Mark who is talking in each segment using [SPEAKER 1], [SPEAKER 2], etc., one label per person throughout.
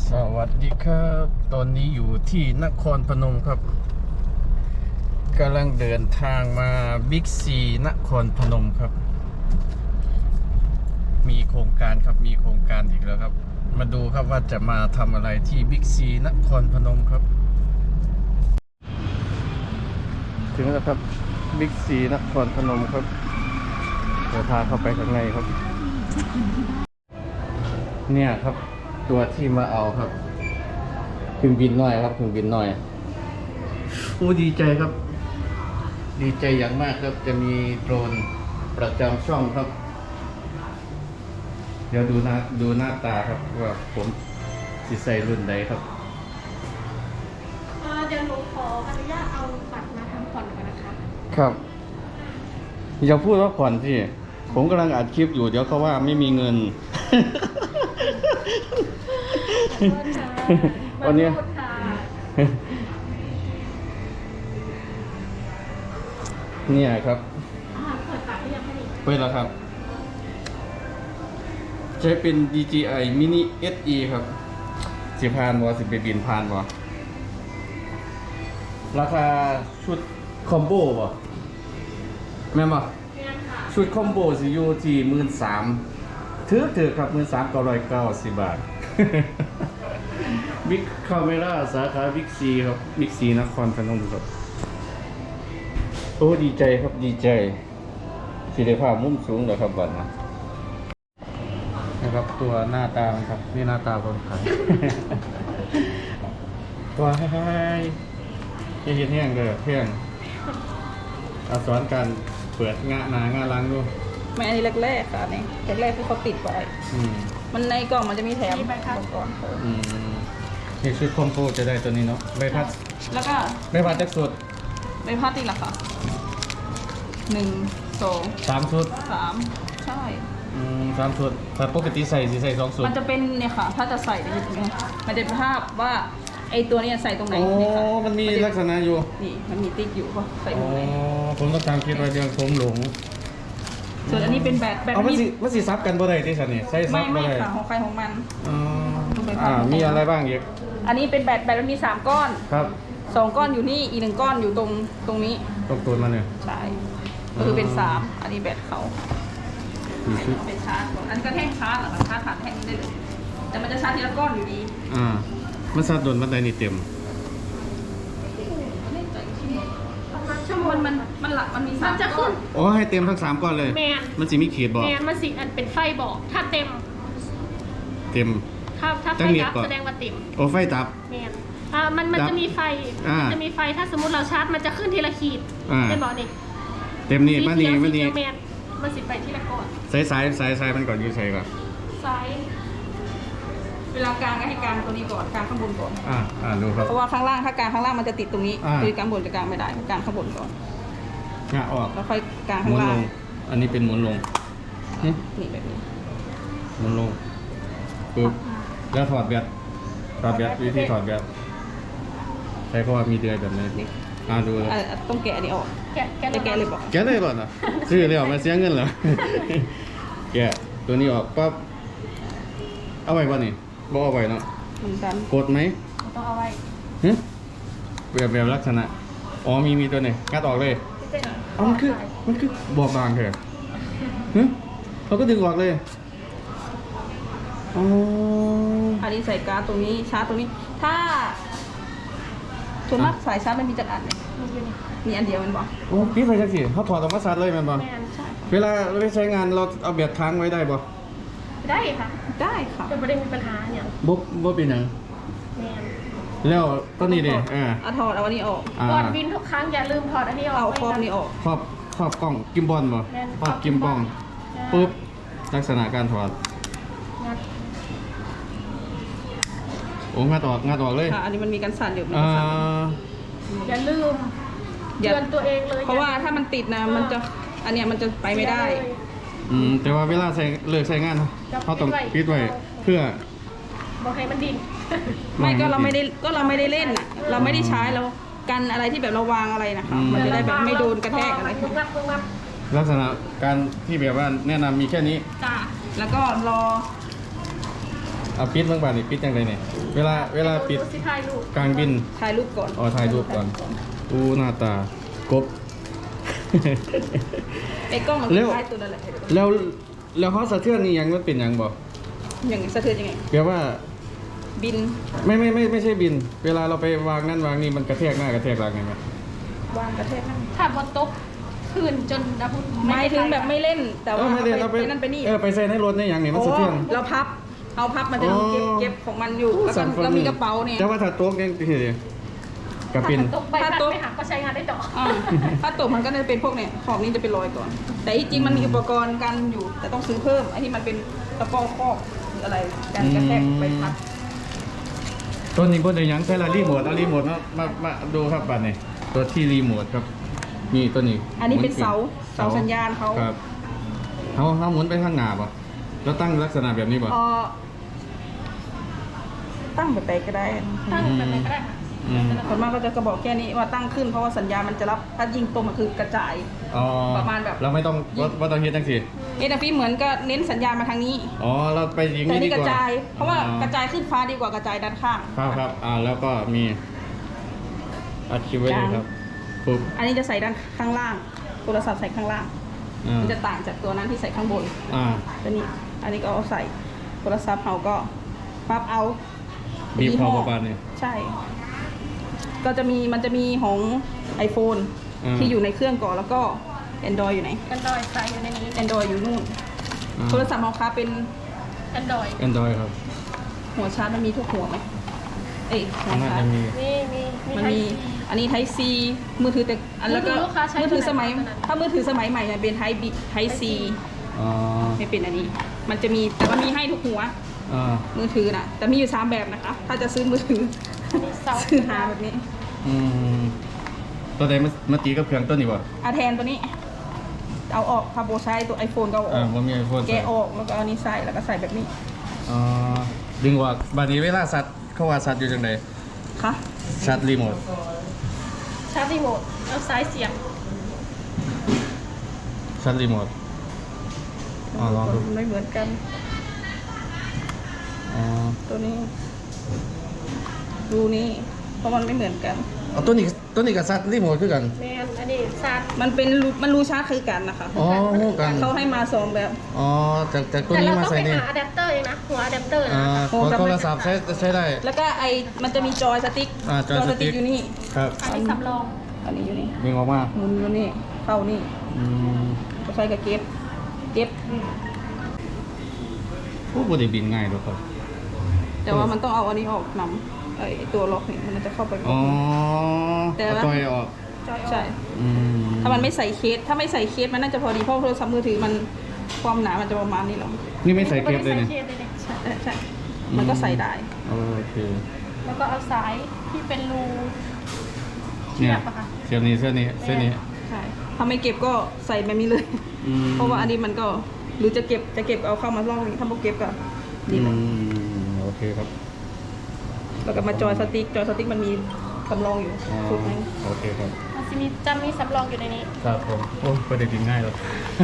[SPEAKER 1] สวัสดีครับตอนนี้อยู่ที่นครพนมครับกำลังเดินทางมาบิ๊กซีนครพนมครับมีโครงการครับมีโครงการอีกแล้วครับมาดูครับว่าจะมาทำอะไรที่บิ๊กซีนครพนมครับถึงแล้วครับบิ๊กซีนครพนมครับเดี๋ยวพาเข้าไปข้างในครับเนี่ยครับตัวที่มาเอาครับเครื่องบินน้อยครับเครื่องบินน้อยโอ้ดีใจครับดีใจอย่างมากครับจะมีโดรนประจำช่องครับเดี๋ยวดูหน้าตาครับว่าผมสิใส่รุ่นใดครับ
[SPEAKER 2] เดี๋ยวหนูขออนุญาตเอาบัตรมาทำผ่อนก่อนนะคะ
[SPEAKER 1] ครับอย่าพูดว่าผ่อนสิผมกำลังอัดคลิปอยู่เดี๋ยวเขาว่าไม่มีเงินวันนี้เนี่ยครับ
[SPEAKER 2] เปิดบัตรหรือยังคะนี่
[SPEAKER 1] เปิดแล้วครับใช้เป็น DJI Mini SE ครับสิพานวอสิไปบินพานวอราคาชุดคอมโบบ่แม่นบ่ชุดคอมโบสิอยู่ที่13,000ถือครับ13,990 บาทบิ๊กคาเมร่าสาขาบิ๊กซีครับบิ๊กซีนครพนมครับโอ้ดีใจครับดีใจที่ได้ภาพมุมสูงเลยครับบัดนะครับตัวหน้าตาครับนี่หน้าตาคนขายตัวให้เห็นแห้งเลยเพียงเอาสอนการเปิดงาล้างดู
[SPEAKER 3] ไม่อันนี้แรกๆค่ะนี่แรกๆที่เขาติดไว้มันในกล่องมันจะมีแถมก่อน
[SPEAKER 1] นี่ชุดคอมโพจะได้ตัวนี้เนาะใบพัด
[SPEAKER 3] แล้วก็
[SPEAKER 1] ใบพัดจักสุด
[SPEAKER 3] ใบพัดอีกละค่ะ1 2
[SPEAKER 1] 3 ชุด
[SPEAKER 3] 3ใช่
[SPEAKER 1] 3 ชุดแต่ปกติใส่2 ชุด
[SPEAKER 3] มันจะเป็นเนี่ยค่ะถ้าจะใส่เนี่ยมันจะเป็นภาพว่าไอตัวนี้ใส่ตรงไหนเนี่ยค่ะ
[SPEAKER 1] มันมีลักษณะอยู่
[SPEAKER 3] นี่มันมีติ๊กอยู่ก็ใส่ตรงไหน
[SPEAKER 1] ผมต้องตามคิดว่าเรื่องผมหลง
[SPEAKER 3] ส่วนอันนี้เป็นแบบ
[SPEAKER 1] มันสิซับกันบ่ได้ที่สันนี่ใช้ซับ
[SPEAKER 3] ไม่ค่ะของใครของมัน
[SPEAKER 1] มีอะไรบ้างอีก
[SPEAKER 3] อันนี้เป็นแบบมันมี3 ก้อน
[SPEAKER 1] ครับ
[SPEAKER 3] 2 ก้อนอยู่นี่อีก1 ก้อนอยู่ตรงนี้
[SPEAKER 1] ตรงตัวมันเนี่ย
[SPEAKER 3] ใช่ก็คือเป็น3อันนี้แบตเขาเป็นชาร์จอันนี้ก็แท่งชาร์จหรอชาร์จผ่านแท่งนี้ได้เลยแต่มันจะชาร์จทีละก้อนอยู่ดี
[SPEAKER 1] มันชาร์จโดนบันไดนี่เต็ม
[SPEAKER 3] ชั่วโมงมันหลักมันมี3
[SPEAKER 2] จะขึ้น
[SPEAKER 1] โอ้ให้เต็มทั้ง3 ก้อนเลยมันสิมีขีดบอก
[SPEAKER 2] มันสิอันเป็นไฟบอกถ้าเต็มถ้าไฟดับแสดงว่าเต็ม
[SPEAKER 1] โอ้ไฟดับ
[SPEAKER 2] มันจะมีไฟถ้าสมมติเราชาร์จมันจะขึ้นทีละขีดเป็นบอกนี่
[SPEAKER 1] เต็มนี่มัน
[SPEAKER 2] สิไปที่ละก้อน
[SPEAKER 1] สายมันก่อนยืดใส่ก่อน
[SPEAKER 2] สาย
[SPEAKER 3] เวลากลางก็ให้กลางตัวนี้ก่อนกลางข้างบนก่อน
[SPEAKER 1] ดูครับ
[SPEAKER 3] เพราะว่าข้างล่างถ้ากลางข้างล่างมันจะติดตรงนี้คือกลางบนจะกลางไม่ได้กลางข้างบนก่อน
[SPEAKER 1] ออก
[SPEAKER 3] แล้วค่อยกลางข้างล่าง
[SPEAKER 1] อันนี้เป็นหมุนลง
[SPEAKER 3] นี่แบบนี้
[SPEAKER 1] หมุนลงปึ๊บแล้วถอดแบตวิธีถอดแบตใช้เพราะว่ามีเดือยแบบนี้ดู
[SPEAKER 3] ต้องแกะอันนี้ออกแกะเลยบอก
[SPEAKER 1] แกะเลยก่อนนะซื้อเลยออกมาเสียเงินเหรอแกะตัวนี้ออกปั๊บเอาไว้ป่ะนี่บอกเอาไว้เนาะกดไหม
[SPEAKER 2] ต้องเอาไว้
[SPEAKER 1] แบบลักษณะมีตัวไหนงัดออกเลยมันคือบอบบางเถอะเขาก็ดึงออกเลย
[SPEAKER 3] อันนี้ใส่การ์ดตรงนี้ชาร์จตรงนี้ถ้าส่วนมากสายชาร์จมันมีจักรอันเลยมีอันเดียวมันบอก
[SPEAKER 1] พี่ใส่จักรสิเขาถอดออกมาชาร์จเลยมันบอกเวลาเราไปใช้งานเราเอาแบตค้างไว้ได้บ่
[SPEAKER 2] ได้ค่ะ
[SPEAKER 3] แต่
[SPEAKER 2] ไม่ได้มีปัญหาเนี่ย
[SPEAKER 1] บ่เป็นหยังแล้วก็นี่ดิ
[SPEAKER 3] ถอดเอาอันนี้ออก
[SPEAKER 2] ก่อนบินทุกครั้งอย่าลืมถอดอันนี้ออก
[SPEAKER 3] เอาครอบนี้ออก
[SPEAKER 1] ครอบกล้องกิมบอลบ่ครอบกิมบอลปุ๊บลักษณะการถอดงัดออกเลย
[SPEAKER 3] อันนี้มันมีการสั่นอยู่
[SPEAKER 2] อย่าลืมเตือนตัวเองเลย
[SPEAKER 3] เพราะว่าถ้ามันติดนะมันจะอันเนี้ยมันจะไปไม่ได้
[SPEAKER 1] แต่ว่าเวลาเลิกใช้งานเขาต้องปิดไว้เพื่อ
[SPEAKER 2] บอกให้มันดิน
[SPEAKER 3] ไม่ก็เราไม่ได้เล่นอ่ะเราไม่ได้ใช้เรากันอะไรที่แบบเราวางอะไรนะคะมันจะได้แบบไม่โดนกระแทกอะไร
[SPEAKER 1] ลักษณะการที่แบบว่าแนะนำมีแค่นี้
[SPEAKER 3] จ้าแล้วก็รอ
[SPEAKER 1] เอาปิดเมื่อวานนี่ปิดยังไงเนี่ยเวลาปิด
[SPEAKER 2] ดูสิถ่ายรูป
[SPEAKER 1] กลางบิน
[SPEAKER 3] ถ่ายรูปก่อน
[SPEAKER 1] อ๋อถ่ายรูปก่อนอู้หน้าตากบ
[SPEAKER 3] ไอ้กล้องมัน
[SPEAKER 1] เร็ว
[SPEAKER 3] ถ่ายตัวนั่นแหละ
[SPEAKER 1] แล้วเขาสะเทือนนี่ยังมันเป็นยังบอก
[SPEAKER 3] อย่างสะเทือนยังไง
[SPEAKER 1] แปลว่า
[SPEAKER 3] บิน
[SPEAKER 1] ไม่ใช่บิน เวลาเราไปวางนั่นวางนี่มันกระแทกหน้ากระแทกหลังไงไหม
[SPEAKER 3] วางกระเทศนั่น
[SPEAKER 2] ถ้าบนโต๊ะคืนจนดับ
[SPEAKER 3] ไม่ถึงแบบไม่เล่น แต่ว่า
[SPEAKER 1] ไม่ได้เราไป
[SPEAKER 3] นั่นไปนี่
[SPEAKER 1] ไปใส่ในรถในอย่างนี้มันสะเทือน
[SPEAKER 3] เราพับ เอาพับมันจะมีเก็บของมันอยู่ แล้วก็เรามีกระเป๋าเนี่ย
[SPEAKER 1] แต่ว่าถ้าโต๊ะยังคือกับ
[SPEAKER 2] ถ้า
[SPEAKER 1] เป็น
[SPEAKER 2] โต๊ะใบพัดไม่หักก็ใช้งานได้ต่อ
[SPEAKER 3] ถ้าตกมันก็จะเป็นพวกเนี่ยขอบนี้จะเป็นรอยก่อน แต่ที่จริงมันมีอุปกรณ์กันอยู่ แต่ต้องซื้อเพิ่มไอ้ที่มันเป็นตะปอคอกหรืออะไรการกระแทกไปพัด
[SPEAKER 1] ตัวนี้บนยังใช้รีโมทเอารีโมทมาดูครับบัดนี้ตัวที่รีโมทครับนี่ตัวนี้
[SPEAKER 3] อันนี้เป็นเสาสัญญาณเขา
[SPEAKER 1] ครับเขาหมุนไปข้างหน้าป่ะแล้วตั้งลักษณะแบบนี้ป่ะ
[SPEAKER 3] ตั้งแบบไหนก็ได้
[SPEAKER 2] ตั้งแบบไหนก็ได้ค่ะ
[SPEAKER 3] ส่วนมากก็จะกระบอกแค่นี้ว่าตั้งขึ้นเพราะว่าสัญญาณมันจะรับถ้ายิงตรงมันคือกระจาย
[SPEAKER 1] อ๋อ
[SPEAKER 3] ประมาณแบบ
[SPEAKER 1] เราไม่ต้องว่าต้องเฮ็ดจังสิ
[SPEAKER 3] เอ็นฟีเหมือนก็เน้นสัญญาณมาทางนี้
[SPEAKER 1] อ๋อเราไปยิง
[SPEAKER 3] แต่
[SPEAKER 1] นี่ดี
[SPEAKER 3] นี่
[SPEAKER 1] ก
[SPEAKER 3] ก
[SPEAKER 1] ว่า
[SPEAKER 3] ระจาย เพราะว่ากระจายขึ้นฟ้าดีกว่ากระจายด้านข้าง
[SPEAKER 1] ครับแล้วก็มีอัดคลิปไว้เลยครับปุ๊บ
[SPEAKER 3] อันนี้จะใส่ด้านข้างล่างโทรศัพท์ใส่ข้างล่าง มันจะต่างจากตัวนั้นที่ใส่ข้างบน ตัวนี้ อันนี้ก็เอาใส่โทรศัพท์เราก็ปั๊บเอา
[SPEAKER 1] บีบคอประมาณนี้
[SPEAKER 3] ใช่ ก็จะมีมันจะมีของ iPhone ที่อยู่ในเครื่องก่อนแล้วก็ Android อยู่ไหน
[SPEAKER 2] กันดอยใส่อยู่ในนี้
[SPEAKER 3] Android อยู่นู่น โทรศัพท์ของค้าเป็น
[SPEAKER 2] กันดอย
[SPEAKER 1] Android ครับ
[SPEAKER 3] หัวชาร์จมันมีทุกหัวไหมเอ้ยหัว
[SPEAKER 1] น่า
[SPEAKER 3] ชาร์
[SPEAKER 1] จะ
[SPEAKER 3] จ
[SPEAKER 1] มี
[SPEAKER 3] มันมี อันนี้ Type C มือถือแต่อันแล้วก็มือถือสมัย ถ้ามือถือสมัยใหม่เนี่ยเป็น Type C
[SPEAKER 1] อ๋อ
[SPEAKER 3] ไม่เป็นอันนี้ มันจะมีแต่ว่ามีให้ทุกหัว มือถือน่ะ แต่มีอยู่3แบบนะคะ ถ้าจะซื้อมือถือ ซื้อหาแบบนี้
[SPEAKER 1] ตัวใดมาตีกับเครื่องตัวนี้วะ
[SPEAKER 3] อาแทนตัวนี้ เอาออกพาโบใช้ตัว iPhone ก็เอาออก
[SPEAKER 1] ผมมีไอโฟน
[SPEAKER 3] แกะออกแล้วก็เอานี้ใส่แล้วก็ใส่แบบนี้
[SPEAKER 1] ดึงว่าบัดนี้เวลาสัตว์เขาว่าสัตว์อยู่จังได
[SPEAKER 3] ค่ะ
[SPEAKER 1] ชัดรีโมท
[SPEAKER 2] ชาร์จรีโมทเอาซ้ายเสียบ
[SPEAKER 1] ชัดรีโมทลองดู
[SPEAKER 3] ไม่เหมือนกัน ตัวนี้ ดูนี่เพราะมันไม่เหมือนกัน
[SPEAKER 1] ตัวนี้กับชัดรีโมทคือกัน
[SPEAKER 2] แมนอันนี้ชาร์จ
[SPEAKER 3] มันรูชาร์จคือกันนะคะ
[SPEAKER 1] อ๋อฮู้กัน
[SPEAKER 3] เขาให้มา2แบบ
[SPEAKER 1] จากตัว
[SPEAKER 2] แต่
[SPEAKER 1] นี้
[SPEAKER 2] เรา
[SPEAKER 1] มา
[SPEAKER 2] ต้อง
[SPEAKER 1] ใส่
[SPEAKER 2] ไป
[SPEAKER 1] นี่
[SPEAKER 2] หาอะแดปเตอร์เองนะหัวอะแดปเตอร์นะ
[SPEAKER 1] ของโทรศัพท์ใช้ได้
[SPEAKER 3] แล้วก็มันจะมีจอยสติ๊ก
[SPEAKER 1] จอยสติ๊ก
[SPEAKER 3] อยู่นี่
[SPEAKER 1] ครับ
[SPEAKER 2] อันนี้สำรอง
[SPEAKER 3] อันนี้อยู่นี่
[SPEAKER 1] ดึงออกมา
[SPEAKER 3] หมุนอยู่นี่เข้านี่ก็ใช้กับเก็บ
[SPEAKER 1] ผู้บริบินง่ายด้วยครับ
[SPEAKER 3] แต่ว่ามันต้องเอาอันนี้ออกนำไอ้ตัวล็อกนี่มันจะเข้าไป แต่ว่า
[SPEAKER 1] จอยออก
[SPEAKER 3] ใช่ถ้ามันไม่ใส่เคส ถ้าไม่ใส่เคสมันน่าจะพอดีเพราะโทรศัพท์มือถือมันความหนามันจะประมาณนี้หรอ
[SPEAKER 1] นี่ไม่ใส่เคสเลยเนี่ย
[SPEAKER 3] ใช่ มันก็ใส่ได้
[SPEAKER 1] โอเค
[SPEAKER 2] แล้วก็เอาสายที่เป็นรู
[SPEAKER 1] เนี่ย
[SPEAKER 2] เสียบอะค่ะ
[SPEAKER 1] เสียบนี้เส้นนี้
[SPEAKER 3] ใช่ถ้าไม่เก็บก็ใส่แบบนี้เลย เพราะว่าอันนี้มันก็หรือจะเก็บเอาเข้ามาล่องนี้ถ้าไม่เก็บก็ดีเลย
[SPEAKER 1] โอเคครับ
[SPEAKER 3] แล้วก็มาจอยสติ๊กมันมีสำรองอยู่ชุดนึง
[SPEAKER 1] โอเคครับ
[SPEAKER 2] มันจะมีจำมีสำรองอยู่ในนี้
[SPEAKER 1] ครับผมโอ้ประเด็นง่ายเลย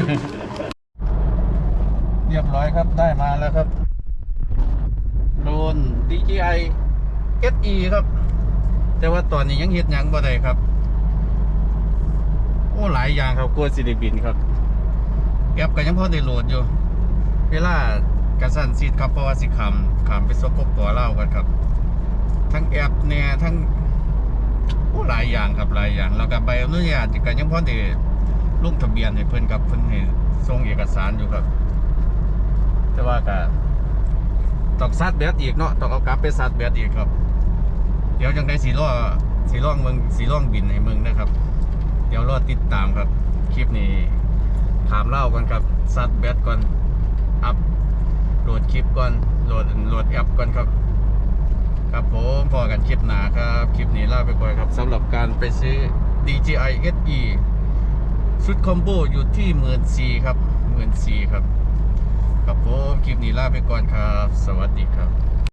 [SPEAKER 1] เรียบร้อยครับได้มาแล้วครับโดรน DJI SE ครับ แต่ว่าตอนนี้ยังเฮ็ดหยังบ่ได้ครับโอ้หลายอย่างครับกลัวสิได้บินครับแอปก็ยังพอได้โหลดอยู่ เวลากระสั่นซีดครับเพราะว่าสิขามไปสปปลาวกันครับ ทั้งแอปเนี่ยทั้งโอ้หลายอย่างครับหลายอย่างแล้วก็ใบอนุญาตก็ยังพอได้ลงทะเบียนให้เพิ่นกับเพิ่นให้ส่งเอกสารอยู่ครับ แต่ว่าก็ต้องซัดแบตอีกเนาะต้องเอากลับไปซัดแบตอีกครับ เดี๋ยวจังได้สีล่องบินให้เมืองนะครับ เดี๋ยวรอติดตามครับคลิปนี้ถามเล่ากันครับซัดแบตก่อนอัพโหลดคลิปก่อนโหลดแอปก่อนครับครับผมพอกันคลิปหนาครับคลิปนี้ลาไปก่อนครับสำหรับการไปซื้อ DJI SE ชุดคอมโบอยู่ที่14,000ครับ14,000ครับครับผมคลิปนี้ลาไปก่อนครับสวัสดีครับ